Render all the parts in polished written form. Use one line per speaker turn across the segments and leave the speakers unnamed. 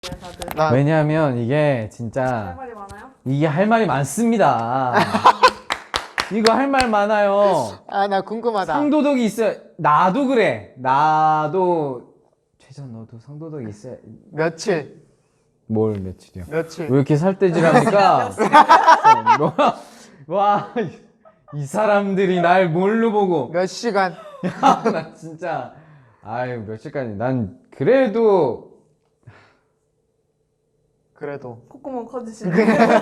다들.
왜냐하면 이게
할
진짜
말이 많아요?
이게 할 말이 많습니다. 이거 할 말 많아요.
아, 나 궁금하다.
상도덕이 있어야. 나도 그래. 나도 최전 너도 상도덕이 있어야.
며칠?
뭘 며칠이요?
며칠?
왜 이렇게 살떼질합니까? 와, 이 사람들이 날 뭘로 보고.
몇 시간?
나 진짜. 아유, 며칠까지. 난 그래도.
그래도
콧구멍 커지시네.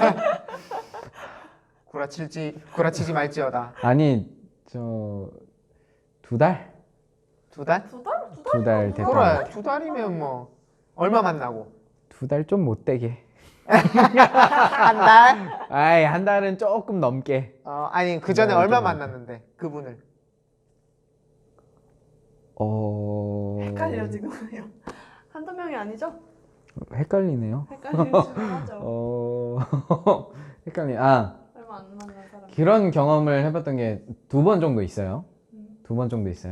구라치지 말지어다.
아니, 저. 2달?
2달?
두 달?
2달 됐다.
그래, 2달이면 뭐 얼마 만나고?
2달 좀 못되게.
한 달?
아이, 한 달은 조금 넘게.
아니 그 전에
네,
얼마
좀
만났는데 그분을?
헷갈려 지금요. 한두 명이 아니죠?
헷갈리네요.
헷갈리시긴 하죠.
헷갈리.
얼마 안 만난 사람.
그런 경험을 해봤던 게 2번 정도 있어요. 2번 정도 있어요.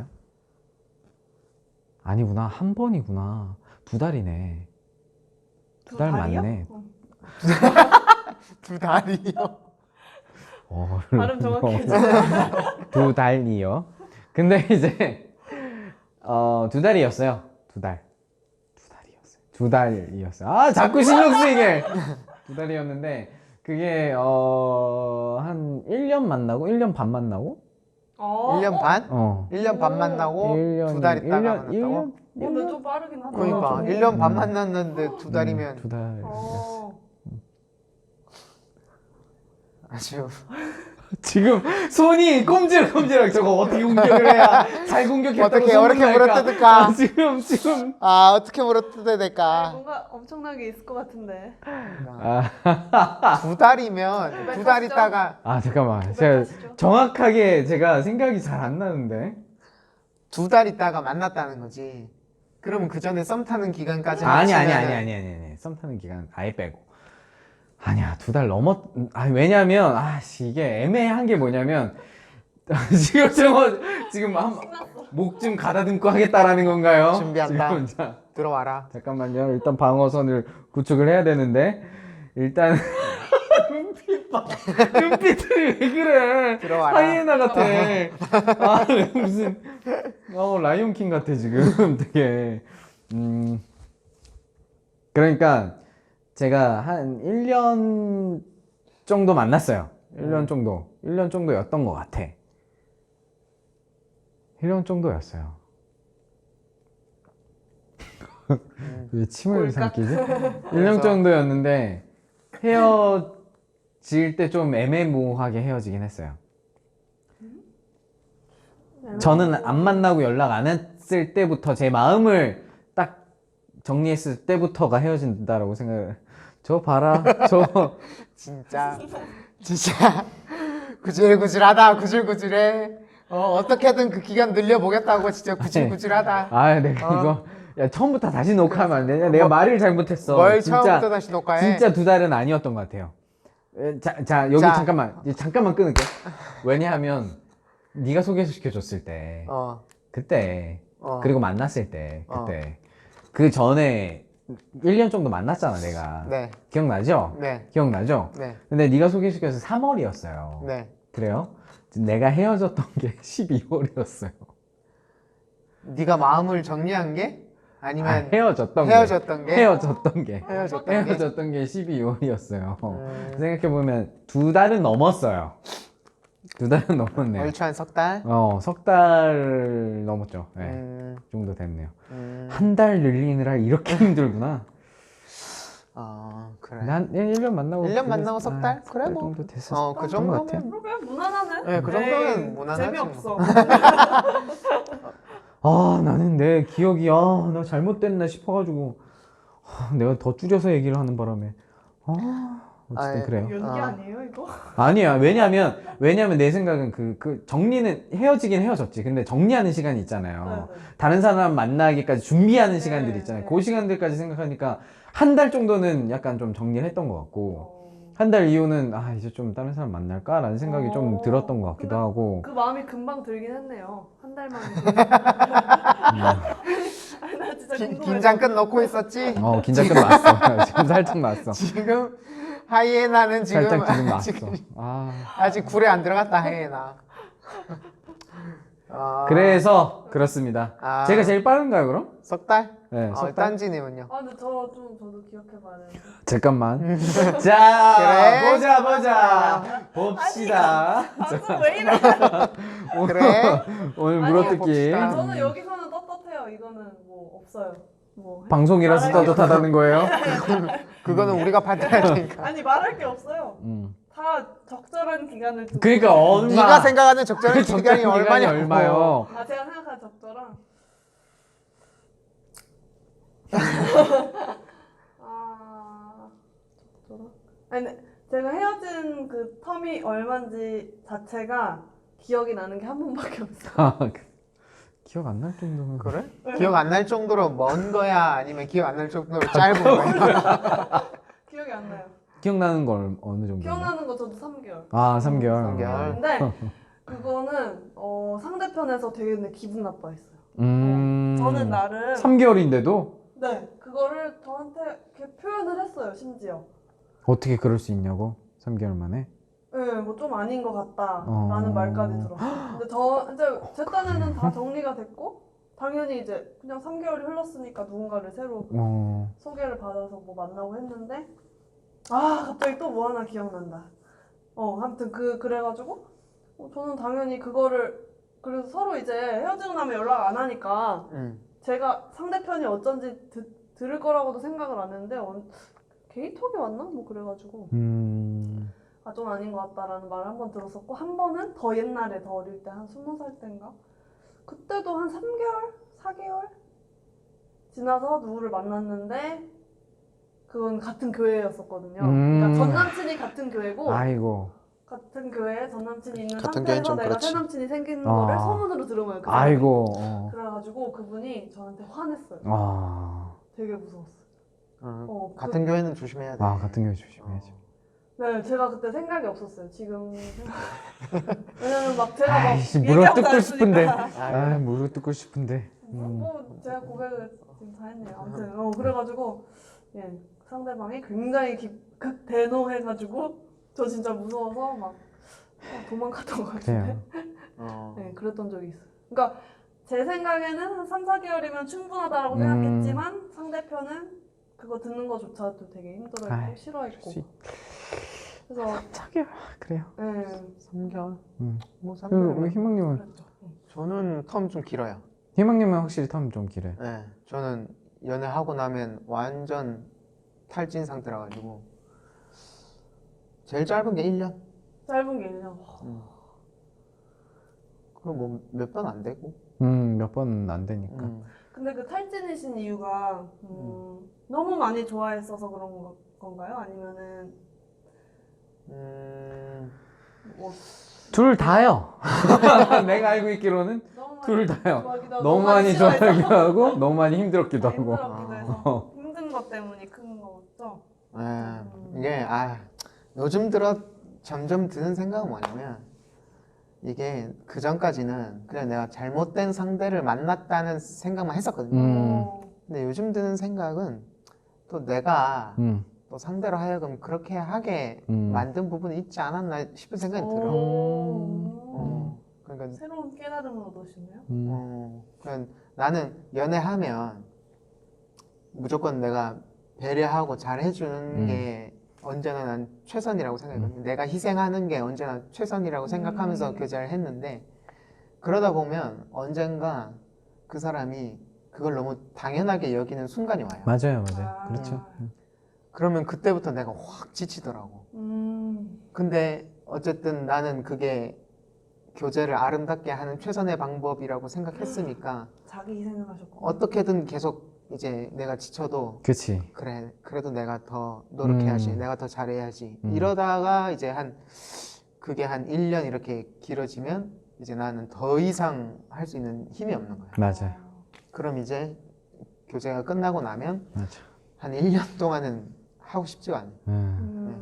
아니구나, 1번이구나. 2달이네. 2달
달이요?
맞네.
2달이요?
발음 정확해져.
2달이요. 근데 이제 2달이었어요. 2달. 2달이었어요. 아, 자꾸 신경 쓰이게. 2달이었는데 그게 한 1년 만나고 1년 반 만나고
1년 반? 1년 반 만나고 2달 있다가 만났다고?
근데 좀 빠르긴 하다.
그러니까 1년 반 만났는데 2달이면
2달.
아주
지금 손이 꼼지락꼼지락. 저거 어떻게 공격을 해야 잘 공격했다고
어떻게
소문날까?
물어뜯을까?
지금
어떻게 물어뜯어야 될까?
뭔가 엄청나게 있을 것 같은데.
2달이면 2달 있다가
잠깐만. 제가 정확하게 제가 생각이 잘 안 나는데.
2달 있다가 만났다는 거지. 그러면 그 전에 썸 타는 기간까지
아니.
합치면은
썸 타는 기간 아예 빼고. 아니야, 2달 왜냐면 이게 애매한 게 뭐냐면 지금 목 좀 가다듬고 하겠다라는 건가요?
준비한다.
지금
들어와라.
잠깐만요. 일단 방어선을 구축을 해야 되는데 일단 눈빛들이 왜 그래?
들어와라.
하이에나 같아. 무슨 라이온킹 같아 지금 되게. 그러니까 제가 한 1년 정도 만났어요. 1년 정도였던 것 같아. 1년 정도였어요. 왜 침을 삼키지? 1년 정도였는데 헤어질 때 좀 애매모호하게 헤어지긴 했어요. 저는 안 만나고 연락 안 했을 때부터 제 마음을 딱 정리했을 때부터가 헤어진다라고 생각을. 저 봐라, 저
진짜 구질구질해. 어떻게든 그 기간 늘려보겠다고 진짜 구질구질하다.
내가 이거 야 처음부터 다시 녹화하면 안 되냐? 내가 말을 잘못했어.
뭘
진짜,
처음부터 다시 녹화해?
진짜 2달은 아니었던 것 같아요. 여기
자.
잠깐만 끊을게. 왜냐하면 네가 소개시켜줬을 때, 그때, 그리고 만났을 때, 그때, 그 전에 1년 정도 만났잖아, 내가.
네.
기억나죠?
네.
기억나죠?
네.
근데 네가 소개시켜서 3월이었어요.
네.
그래요? 내가 헤어졌던 게 12월이었어요.
네가 마음을 정리한 게? 아니면
헤어졌던 게?
헤어졌던 게
12월이었어요. 생각해보면 2달은 넘었어요. 2달은 넘었네요.
얼추 석 달?
석 달 넘었죠. 네. 그 정도 됐네요. 한 달 늘리느라 이렇게 힘들구나.
그래.
난 1년 만나고
1년 만나고 석 달? 그래
석 달
뭐.
정도 됐었어.
그 정도면
그러게 무난하네.
네, 그 정도면 무난하지.
재미없어.
나는 내 기억이 나 잘못됐나 싶어가지고 내가 더 줄여서 얘기를 하는 바람에 어쨌든 그래요.
연기 아니에요 이거?
아니야. 왜냐면 내 생각은 그 정리는 헤어지긴 헤어졌지. 근데 정리하는 시간이 있잖아요.
네.
다른 사람 만나기까지 준비하는
네,
시간들이 있잖아요.
네.
그 시간들까지 생각하니까 한 달 정도는 약간 좀 정리를 했던 것 같고 한 달 이후는 이제 좀 다른 사람 만날까라는 생각이 좀 들었던 것 같기도 하고.
그 마음이 금방 들긴 했네요. 한 달만. 아니 나 진짜
긴장 끝 넣고 있었지?
긴장 끝났어. 지금 살짝 났어.
지금 하이에나는 지금
살짝 지금 났어.
아직,
아.
아직 굴에 안 들어갔다 하이에나.
그래서 그렇습니다.
아.
제가 제일 빠른가요, 그럼?
석 달?
네, 석 달.
딴지님은요?
아 근데 저도 기억해봐야 되는데.
잠깐만. 자,
그래?
보자. 봅시다.
방송 왜 이래?
그래?
오늘
아니,
물어뜯기.
봅시다.
저는 여기서는 떳떳해요. 이거는 뭐 없어요. 뭐
방송이라서
말할 게
떳떳하다는 거예요?
그거는 우리가 받아야 되니까.
아니 말할 게 없어요.
음.
다 적절한 기간을 두고.
그러니까 얼마?
네가 생각하는 적절한 기간이 얼마냐?
얼마요?
아 제가 생각한 적절한. 아 적절한? 아니 근데 제가 헤어진 그 텀이 얼마인지 자체가 기억이 나는 게 한 번밖에 없어.
아, 기억 안 날 정도면.
그래? 기억 안 날 정도로 먼 거야? 아니면 기억 안 날 정도로 짧은 거야?
기억이 안 나요.
기억나는 건 어느 정도?
기억나는 거 저도 3개월.
아, 3개월.
3개월.
근데 그거는 상대편에서 되게 근데 기분 나빠했어요.
음.
저는 나름
3개월인데도
네 그거를 저한테 이렇게 표현을 했어요 심지어.
어떻게 그럴 수 있냐고? 3개월 만에?
네, 뭐 좀 아닌 것 같다라는 말까지 들었어요. 근데 이제 제 딴에는 다 정리가 됐고 당연히 이제 그냥 3개월이 흘렀으니까 누군가를 새로 소개를 받아서 뭐 만나고 했는데 갑자기 또 뭐 하나 기억난다. 아무튼 그래가지고 저는 당연히 그거를 그래서 서로 이제 헤어지고 나면 연락 안 하니까 제가 상대편이 어쩐지 들을 거라고도 생각을 안 했는데 게이톡이 왔나? 뭐 그래가지고 좀 아닌 것 같다라는 말을 한 번 들었었고 한 번은 더 옛날에 더 어릴 때 한 20살 때인가? 그때도 한 3개월? 4개월? 지나서 누구를 만났는데 그건 같은 교회였었거든요. 그러니까 전 남친이 같은 교회고
아이고.
같은 교회에 전 남친이 있는
같은 교회는
상태에서
좀
내가
그렇지.
새 남친이 생기는 거를 소문으로 들은 거예요. 그 사람이.
아이고.
그래가지고 그분이 저한테 화냈어요. 되게 무서웠어요.
같은 교회는 조심해야 돼.
같은 교회 조심해야지.
네, 제가 그때 생각이 없었어요. 지금 왜냐면 막 제가 막
아이씨,
얘기하고
물어뜯고 싶은데.
다녔으니까.
물어뜯고 싶은데.
뭐 제가 고백을 지금 다 했네요. 아무튼 그래가지고 예 상대방이 굉장히 극대노해가지고 저 진짜 무서워서 막 도망갔던 것 같은데. 네, 그랬던 적이 있어요. 그러니까 제 생각에는 한 3, 4개월이면 충분하다라고 생각했지만 상대편은 그거 듣는 거조차도 되게 힘들어했고 싫어했고. 그래서
4개월. 그래요.
네.
3개월? 뭐
우리
3개월.
희망님은?
그랬죠.
저는 텀 좀 길어요.
희망님은 확실히 텀 좀 길어요.
네, 저는 연애하고 나면 완전 탈진 상태라 가지고 제일 짧은 게 1년.
짧은 게 1년.
그럼 뭐 몇 번 안 되고.
몇 번은 안 되니까.
근데 그 탈진이신 이유가 너무 많이 좋아했어서 그런 건가요? 아니면은 뭐
둘 다요. 내가 알고 있기로는
너무
둘 다요.
좋아하기도 하고
너무 많이
싫어해서
좋아하기도 하고 너무 많이 힘들었기도 하고.
힘들었기도 해서 힘든 것 때문에 큰 거죠.
이게 요즘 들어 점점 드는 생각은 뭐냐면 이게 그 전까지는 그냥 내가 잘못된 상대를 만났다는 생각만 했었거든요. 근데 요즘 드는 생각은 또 내가 또 상대로 하여금 그렇게 하게 만든 부분이 있지 않았나 싶은 생각이 들어. 그러니까
새로운 깨달음을 얻으시네요.
그냥 나는 연애하면 무조건 내가 배려하고 잘 해주는 게 언제나 난 최선이라고 생각했거든요. 내가 희생하는 게 언제나 최선이라고 생각하면서 교제를 했는데 그러다 보면 언젠가 그 사람이 그걸 너무 당연하게 여기는 순간이 와요.
맞아요. 그렇죠.
그러면 그때부터 내가 확 지치더라고. 근데 어쨌든 나는 그게 교제를 아름답게 하는 최선의 방법이라고 생각했으니까
자기 희생을 하셨고
어떻게든 계속 이제 내가 지쳐도
그치.
그래 그래도 내가 더 노력해야지 내가 더 잘해야지 이러다가 이제 그게 한 1년 이렇게 길어지면 이제 나는 더 이상 할 수 있는 힘이 없는 거야.
맞아요.
그럼 이제 교제가 끝나고 나면
맞아.
한 1년 동안은 하고 싶지가 않아.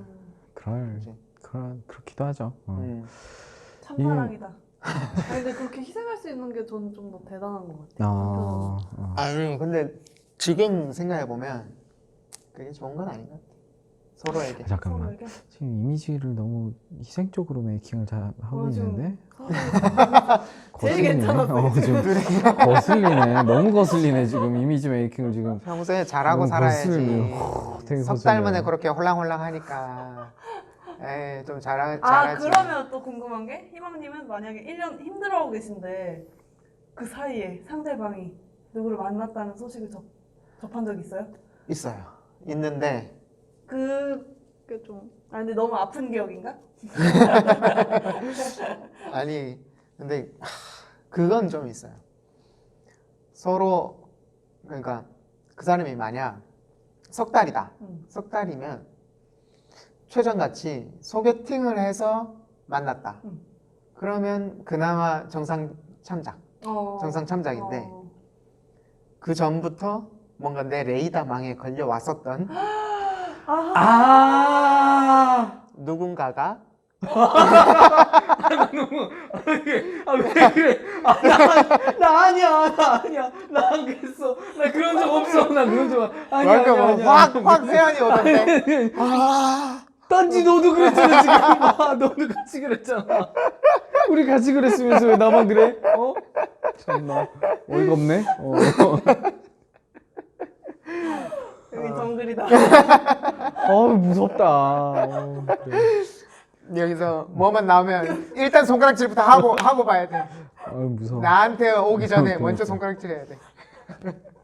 그렇기도 하죠.
참사랑이다. 아니, 근데 그렇게 희생할 수 있는 게 저는 좀 더 대단한 것 같아요.
아니 근데 지금 생각해 보면 그게 좋은 건 아닌 것 같아. 서로에게.
잠깐만.
서로에게.
지금 이미지를 너무 희생적으로 메이킹을 잘 하고
좀
있는데
제일 괜찮았어,
지금 거슬리네. 너무 거슬리네 지금 이미지 메이킹을 지금.
평소에 잘하고
너무
살아야지.
거슬려요. 되게
석
거슬려요.
달 만에 그렇게 홀랑홀랑 하니까. 에이, 좀
아
잘하지.
그러면 또 궁금한 게 희망님은 만약에 1년 힘들어하고 계신데 그 사이에 상대방이 누구를 만났다는 소식을 접한 적 있어요?
있어요. 있는데
그게 좀 근데 너무 아픈 기억인가?
아니 근데 그건 좀 있어요. 서로 그러니까 그 사람이 만약 석 달이다. 석 달이면 최전같이 소개팅을 해서 만났다. 그러면 그나마 정상 참작. 정상 참작인데 그 전부터 뭔가 내 레이더망에 걸려 왔었던 누군가가
왜 그래? 나 아니야. 나 안 그랬어. 나 그런 적 없어. 나 그런 적 아니야.
확 세연이 오던데.
딴지 너도 그랬잖아 지금. 너도 같이 그랬잖아. 우리 같이 그랬으면서 왜 나만 그래? 참나 어이가 없네.
여기 정글이다.
무섭다. 그래.
여기서 뭐만 나오면 일단 손가락질부터 하고 봐야 돼.
무서워.
나한테 오기 전에
오케이,
먼저
오케이.
손가락질 해야 돼.